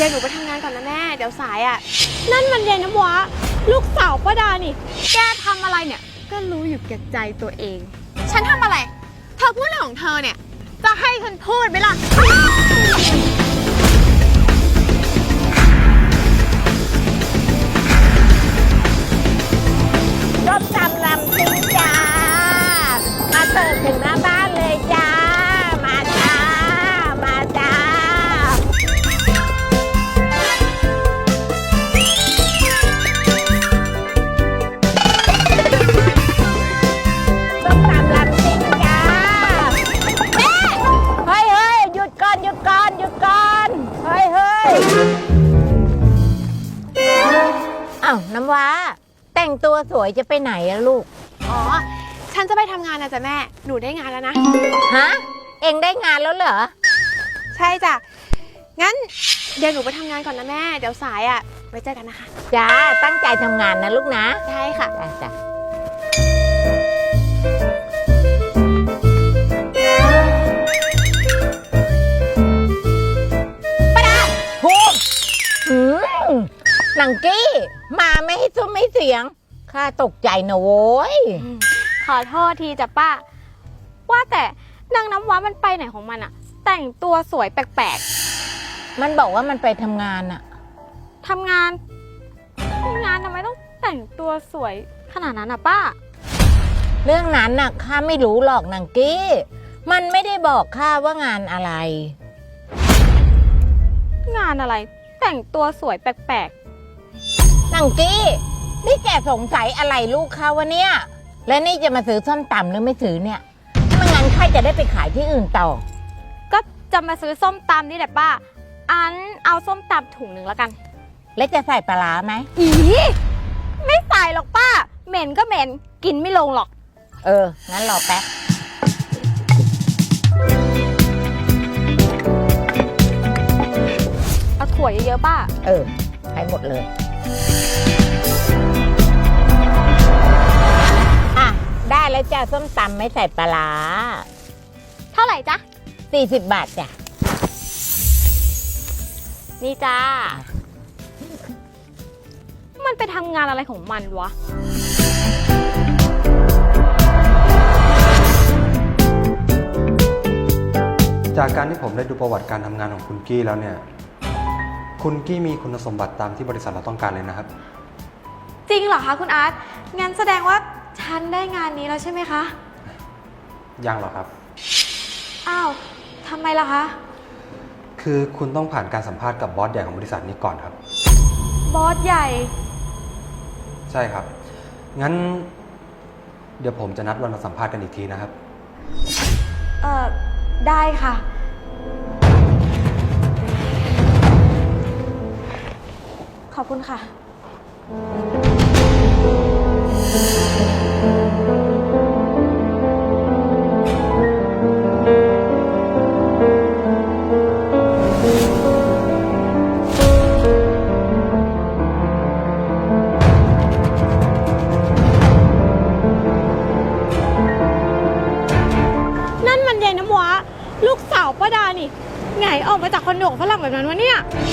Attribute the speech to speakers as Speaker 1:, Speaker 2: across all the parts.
Speaker 1: ยวหนูไปทำงานก่อนนะแม่เดี๋ยวสายอ่ะ
Speaker 2: นั่นมันยายน้ำว้าลูกสาวป้าดานี่แกทำอะไรเนี่ยก็รู้อยู่แก่ใจตัวเอง
Speaker 1: ฉันทำอะไรเธอพูดเรื่องของเธอเนี่ยจะให้ฉันพูดไหมล่ะ
Speaker 3: ส้มตำลำซิ่งจ้ามาเสิร์ฟถึงหน้าบ้านเลยจ้ามาจ้ามาจ้าส้มตำลำซิ่งจ้าแม่เฮ้ยหยุดก่อนหยุดก่อนหยุดก่อนเฮ้ยอ้าวน้ำว้าแต่งตัวสวยจะไปไหนอะลูก
Speaker 1: อ๋อฉันจะไปทำงานนะจ๊ะแม่หนูได้งานแล้วนะ
Speaker 3: ฮะเอ็งได้งานแล้วเหรอ
Speaker 1: ใช่จ้ะงั้นเดี๋ยวหนูไปทำงานก่อนนะแม่เดี๋ยวสายอ่ะไว้เจอกันนะคะ
Speaker 3: จ้าตั้งใจทำงานนะลูกนะ
Speaker 1: ใช่ค่ะ
Speaker 3: จ้าป้าดาพูดหนังกี้มาไม่ให้ซุ้มไม่เสียงข้าตกใจนะโว้ย
Speaker 2: ขอโทษทีจ้ะป้าว่าแต่นางน้ำว้ามันไปไหนของมันอะแต่งตัวสวยแปลก
Speaker 3: ๆมันบอกว่ามันไปทำงานอะ
Speaker 2: ทำงานทำไมต้องแต่งตัวสวยขนาดนั้นอะป้า
Speaker 3: เรื่องนั้นน่ะข้าไม่รู้หรอกนางกี้มันไม่ได้บอกข้าว่างานอะไร
Speaker 2: งานอะไรแต่งตัวสวยแปลก
Speaker 3: ๆนางกี้นี่แกสงสัยอะไรลูกข้าวะเนี่ยแล้วนี่จะมาซื้อส้มตำหรือไม่ซื้อเนี่ยไม่งั้นข้าจะได้ไปขายที่อื่นต่อ
Speaker 2: ก็จะมาซื้อส้มตำนี่แหละป้าอันเอาส้มตำถุงหนึ่งแล้วกัน
Speaker 3: แล้วจะใส่ปลาร้าไหม
Speaker 2: อีไม่ใส่หรอกป้าเหม็นก็เหม็นกินไม่ลงหรอก
Speaker 3: งั้นรอแป๊บ
Speaker 2: เอาถั่วเยอะๆป้า
Speaker 3: ให้หมดเลยได้แล้วจ้าส้มตำไม่ใส่ปลาร้า
Speaker 2: เท่าไหร่จ๊ะ
Speaker 3: 40 บาทจ้ะ
Speaker 2: นี่จ้ามันไปทำงานอะไรของมันวะ
Speaker 4: จากการที่ผมได้ดูประวัติการทำงานของคุณกี้แล้วเนี่ยคุณกี้มีคุณสมบัติตามที่บริษัทเราต้องการเลยนะครับ
Speaker 1: จริงเหรอคะคุณอาร์ตงั้นแสดงว่าฉันได้งานนี้แล้วใช่ไหมคะ
Speaker 4: ยังหรอครับ
Speaker 1: อ้าวทำไมล่ะคะ
Speaker 4: คือคุณต้องผ่านการสัมภาษณ์กับบอสใหญ่ของบริษัทนี้ก่อนครับ
Speaker 1: บอสใหญ่
Speaker 4: ใช่ครับงั้นเดี๋ยวผมจะนัดวันมาสัมภาษณ์กันอีกทีนะครับ
Speaker 1: ได้ค่ะขอบคุณค่ะ
Speaker 2: ลูกสาวป้าดานี่ไงออกมาจากคอนโดฝรั่งแบบนั้นวะเนี่ย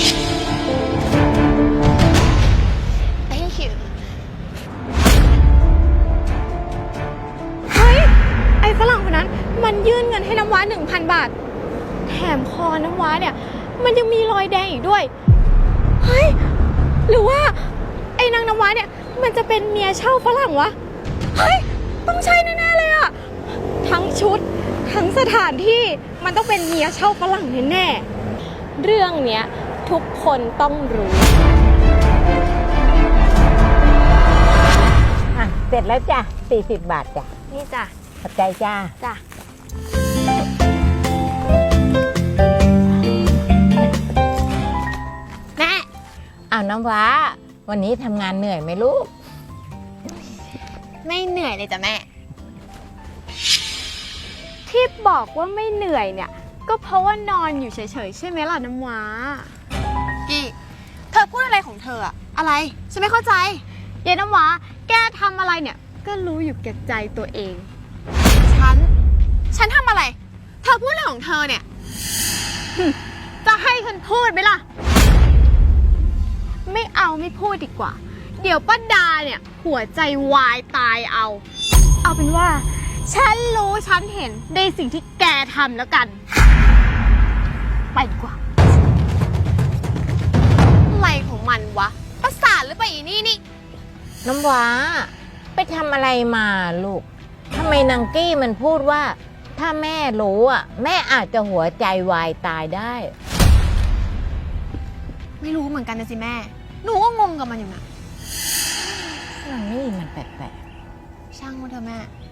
Speaker 1: Thank you
Speaker 2: เฮ้ยไอ้ฝรั่งคนนั้นมันยื่นเงินให้น้ำว้า 1,000 บาทแถมคอน้ำว้าเนี่ยมันยังมีรอยแดงอีกด้วยเฮ้ยหรือว่าไอ้นางน้ำว้าเนี่ยมันจะเป็นเมียเช่าฝรั่งวะเฮ้ยต้องใช่แน่ๆเลยอะทั้งชุดทั้งสถานที่มันต้องเป็นเมียเช่าฝรั่งแน่ๆเรื่องเนี้ยทุกคนต้องรู้
Speaker 3: เสร็จแล้วจ้ะ40 บาทจ้ะ
Speaker 2: นี่จ้ะ
Speaker 3: ขอบใจจ้า
Speaker 1: แม่
Speaker 3: เอาน้ำว้าวันนี้ทำงานเหนื่อยไหมลูก
Speaker 1: ไม่เหนื่อยเลยจ้ะแม่
Speaker 2: ที่บอกว่าไม่เหนื่อยเนี่ยก็เพราะว่านอนอยู่เฉยๆใช่ไหมล่ะน้ำว้า
Speaker 1: กี้เธอพูดอะไรของเธออะอะไรฉันไม่เข้าใจ
Speaker 2: เย็นน้ำว้าแกทำอะไรเนี่ยก็รู้อยู่แก่ใจตัวเอง
Speaker 1: ฉันทำอะไรเธอพูดอะไรของเธอเนี่ย
Speaker 2: จะให้ฉันพูดไหมล่ะเอาไม่พูดดีกว่า เดี๋ยวป้าดาเนี่ยหัวใจวายตายเอา เอาเป็นว่า ฉันรู้ฉันเห็นในสิ่งที่แกทำแล้วกัน ไปดีกว่า
Speaker 1: อะไรของมันวะ ประสาทหรือเปล่าอีนี่นี่
Speaker 3: น้ำว้าไปทำอะไรมาลูกทำไมนางกี้มันพูดว่า ถ้าแม่รู้อ่ะ แม่อาจจะหัวใจวายตายได้
Speaker 1: ไม่รู้เหมือนกันนะสิแม่ หนูก็งงกับมันอยู่นะ
Speaker 3: นางนี่มันแปลก
Speaker 1: ช่างมันเถอะแม่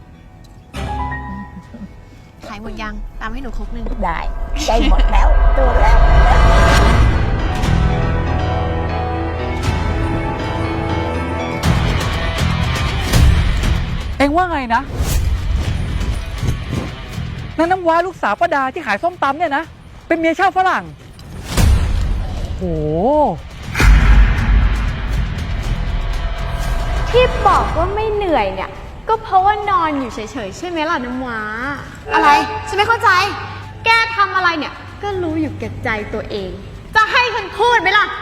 Speaker 1: ขายหมดยัง ตามให้หนูครกหนึ่ง
Speaker 3: ๆได้ได้หมดแล้วโดนแล้ว
Speaker 5: เอ็งว่าไงนะนั่นน้ำว้าลูกสาวป้าดาที่ขายส้มตำเนี่ยนะ เป็นเมียเช่าฝรั่งโอ้
Speaker 2: ที่บอกว่าไม่เหนื่อยเนี่ย ก็เพราะว่านอนอยู่เฉยๆใช่ไหมล่ะน้ำว้า
Speaker 1: อะไร ฉันไม่เข้าใจ
Speaker 2: แกทำอะไรเนี่ย ก็รู้อยู่แก่ใจตัวเอง จะให้ฉันพูดไหมล่ะ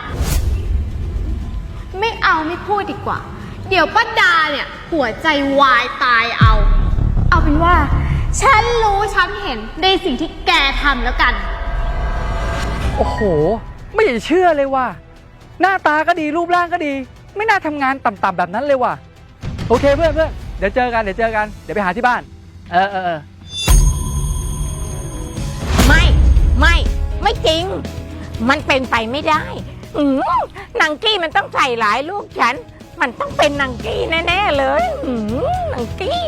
Speaker 2: ไม่เอาไม่พูดดีกว่า เดี๋ยวป้าดาเนี่ยหัวใจวายตายเอา เอาเป็นว่า ฉันรู้ฉันเห็นในสิ่งที่แกทำแล้วกัน
Speaker 5: โอ้โห ไม่อยากจะเชื่อเลยว่ะหน้าตาก็ดีรูปร่างก็ดี ไม่น่าทำงานต่ำๆแบบนั้นเลยว่ะโอเคเพื่อนเดี๋ยวเจอกันเดี๋ยวไปหาที่บ้านเออ
Speaker 3: ไม่จริง มันเป็นไปไม่ได้นางกี้มันต้องใส่หลายลูกฉัน มันต้องเป็นนางกี้แน่ๆเลยนางกี้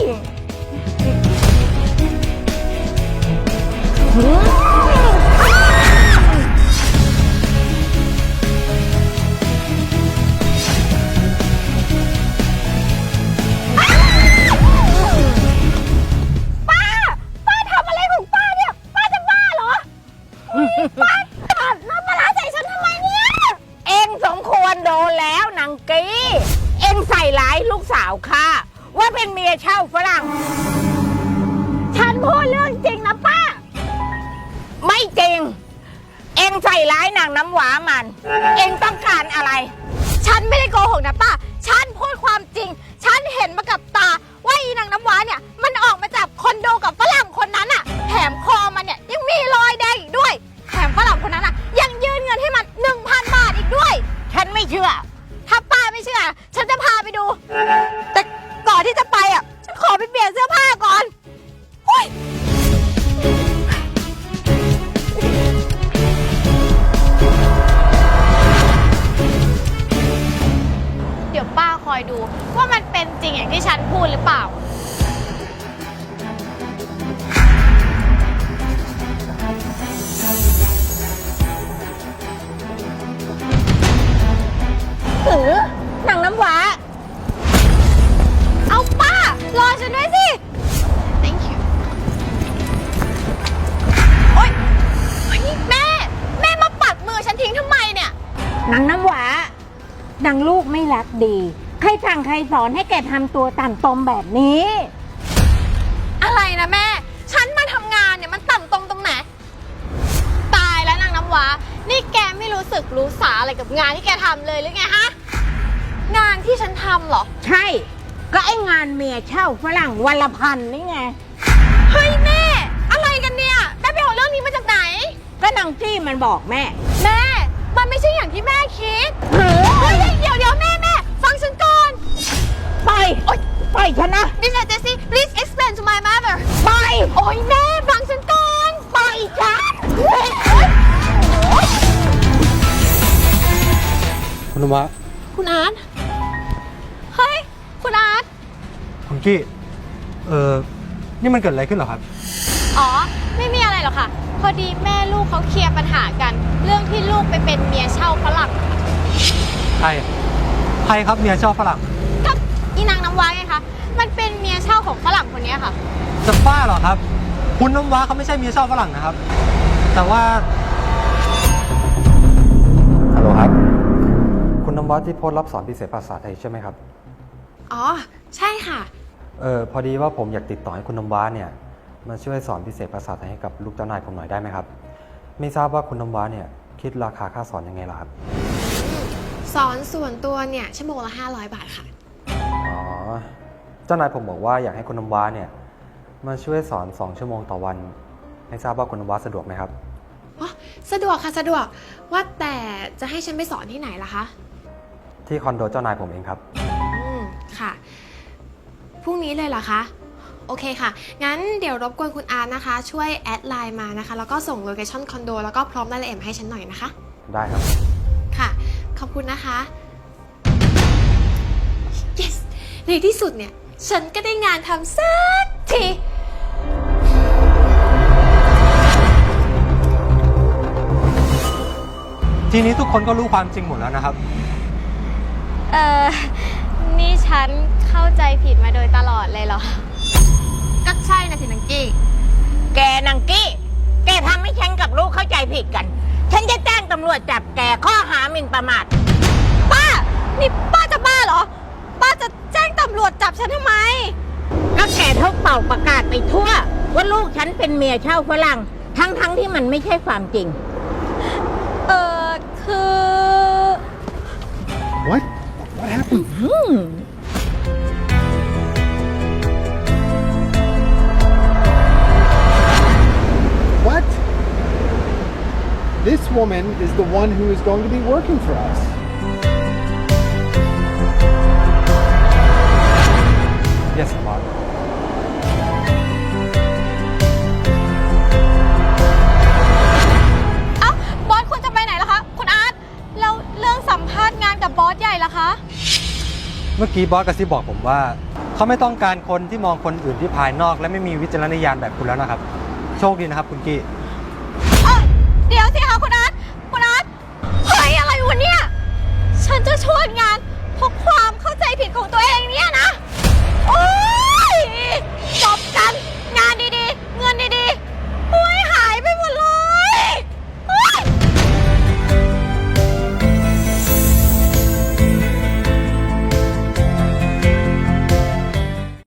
Speaker 3: ป้าทำอะไรของป้าเนี่ย ป้าจะบ้าเหรอ ป้าตัดน้ำปลาร้าใส่ฉันทำไมเนี่ย เอ็งสมควรโดนแล้วนางกี้ เอ็งใส่ร้ายลูกสาวข้าว่าเป็นเมียเช่าฝรั่ง ฉันพูดเรื่องจริงนะป้า ไม่จริง เอ็งใส่ร้ายนางน้ำหวามัน เอ็งต้องการอะไร
Speaker 2: ฉันไม่ได้โกหกนะป้า ฉันพูดความจริง ฉันเห็นมากับตาว่าอีนางน้ำว้าเนี่ย มันออกมาจากคอนโดกับฝรั่งคนนั้นอะแถมคอมันเนี่ยยังมีรอยแดงอีกด้วย แถมฝรั่งคนนั้นอะยังยื่นเงินให้มัน 1,000 บาทอีกด้วย
Speaker 3: ฉันไม่เชื่อ
Speaker 2: ถ้าป้าไม่เชื่อ ฉันจะพาไปดู แต่ก่อนที่จะไปอ่ะ ฉันขอไปเปลี่ยนเสื้อผ้าก่อนหุ้ยเดี๋ยวป้าคอยดูว่ามันเป็นจริงอย่างที่ฉันพูดหรือเปล่า
Speaker 3: นางน้ำหวา
Speaker 2: เอาป้ารอฉันด้วยสิ
Speaker 1: thank you
Speaker 2: โอ๊ยเฮ้ยแม่มาปัดมือฉันทิ้งทำไมเนี่ย
Speaker 3: นางน้ำหวานางลูกไม่รักดี ใครสั่งใครสอนให้แกทำตัวต่ำตมแบบนี้
Speaker 2: อะไรนะแม่ ฉันมาทำงานเนี่ยมันต่ำตรงไหน ตายแล้วนางน้ำว้า นี่แกไม่รู้สึกรู้สาอะไรกับงานที่แกทำเลยหรือไงฮะ งานที่ฉันทำเหรอ
Speaker 3: ใช่ ก็ไอ้งานเมียเช่าฝรั่งวันละพันนี่ไง
Speaker 2: เฮ้ยแม่ อะไรกันเนี่ยแม่ไปเอาเรื่องนี้มาจากไหน
Speaker 3: ก็นางจี้มันบอกแม่
Speaker 2: แม่ มันไม่ใช่อย่างที่แม่คิด
Speaker 3: เฮ้ย
Speaker 2: เฮ้ยเดี๋ยวแม่ฟังฉันก่อน
Speaker 3: ไปไปฉันนะ
Speaker 2: Mr. Jesse please explain to my mother
Speaker 3: ไป
Speaker 2: โอ๊ยแม่ฟังฉันก่อน
Speaker 3: ไปฉัน
Speaker 4: คุณนวะ
Speaker 2: คุณอาร์ตเฮ้ย คุณอาร์ต
Speaker 4: คุณกี้ นี่มันเกิดอะไรขึ้นเหรอครับ
Speaker 2: อ๋อ ไม่มีอะไรหรอกค่ะ พอดีแม่ลูกเขาเคลียร์ปัญหากัน เรื่องที่ลูกไปเป็นเมียเช่าฝรั่ง
Speaker 4: ใครครับเมียเช่าฝรั่ง
Speaker 2: กับอีนางน้ำว้าไงคะ มันเป็นเมียเช่าของฝรั่งคนนี้ค่ะ
Speaker 4: จะบ้าเหรอครับ คุณน้ำว้าเขาไม่ใช่เมียเช่าฝรั่งนะครับ แต่ว่าฮัลโหลครับ คุณน้ำว้าที่โพสต์รับสอนพิเศษภาษาไทยใช่ไหมครับ
Speaker 1: อ๋อ ใช่ค่ะ
Speaker 4: พอดีว่าผมอยากติดต่อให้คุณน้ำว้าเนี่ยมาช่วยสอนพิเศษภาษาไทยให้กับลูกเจ้านายผมหน่อยได้ไหมครับ ไม่ทราบว่าคุณน้ำว้าเนี่ยคิดราคาค่าสอนยังไงล่ะครับ
Speaker 1: สอนส่วนตัวเนี่ยชั่วโมงละ500 บาทค่ะ
Speaker 4: อ๋อ เจ้านายผมบอกว่าอยากให้คุณน้ำว้าเนี่ยมาช่วยสอน2 ชั่วโมงต่อวัน ไม่ทราบว่าคุณน้ำว้าสะดวกไหมครับ
Speaker 1: อ๋อ สะดวกค่ะสะดวก ว่าแต่จะให้ฉันไปสอนที่ไหนล่ะคะ
Speaker 4: ที่คอนโดเจ้านายผมเองครับ
Speaker 1: ค่ะ พรุ่งนี้เลยเหรอคะ โอเคค่ะ งั้นเดี๋ยวรบกวนคุณอาร์ตนะคะ ช่วยแอดไลน์มานะคะ แล้วก็ส่งโลเคชั่นคอนโดแล้วก็พร้อมรายละเอียดมาให้ฉันหน่อยนะคะ
Speaker 4: ได้ครับ
Speaker 1: ค่ะ ขอบคุณนะคะ yes ในที่สุดเนี่ย ฉันก็ได้งานทำสักที
Speaker 4: ทีนี้ทุกคนก็รู้ความจริงหมดแล้วนะครับ
Speaker 2: นี่ฉันเข้าใจผิดมาโดยตลอดเลยเหรอ
Speaker 1: ก็ใช่นะสินังกี้
Speaker 3: แกนางกี้ แกทำให้ฉันกับลูกเข้าใจผิดกัน ฉันจะแจ้งตำรวจจับแกข้อหาหมิ่นประมาท
Speaker 2: ป้า นี่ป้าจะบ้าเหรอ ป้าจะแจ้งตำรวจจับฉันทำไม
Speaker 3: ก็แกเท่าเป่าประกาศไปทั่ว ว่าลูกฉันเป็นเมียเช่าฝรั่งทั้งที่มันไม่ใช่ความจริง
Speaker 2: คือ
Speaker 6: What? What happened? What? This woman is the one who is going to be working for us.
Speaker 4: Yes, boss.
Speaker 2: เอ้า บอสคุณจะไปไหนล่ะคะ คุณอาร์ต แล้วเรื่องสัมภาษณ์งานกับบอสใหญ่ล่ะคะ
Speaker 4: เมื่อกี้บอสกระซิบบอกผมว่า เขาไม่ต้องการคนที่มองคนอื่นที่ภายนอก และไม่มีวิจารณญาณแบบคุณแล้วนะครับ โชคดีนะครับคุณกี้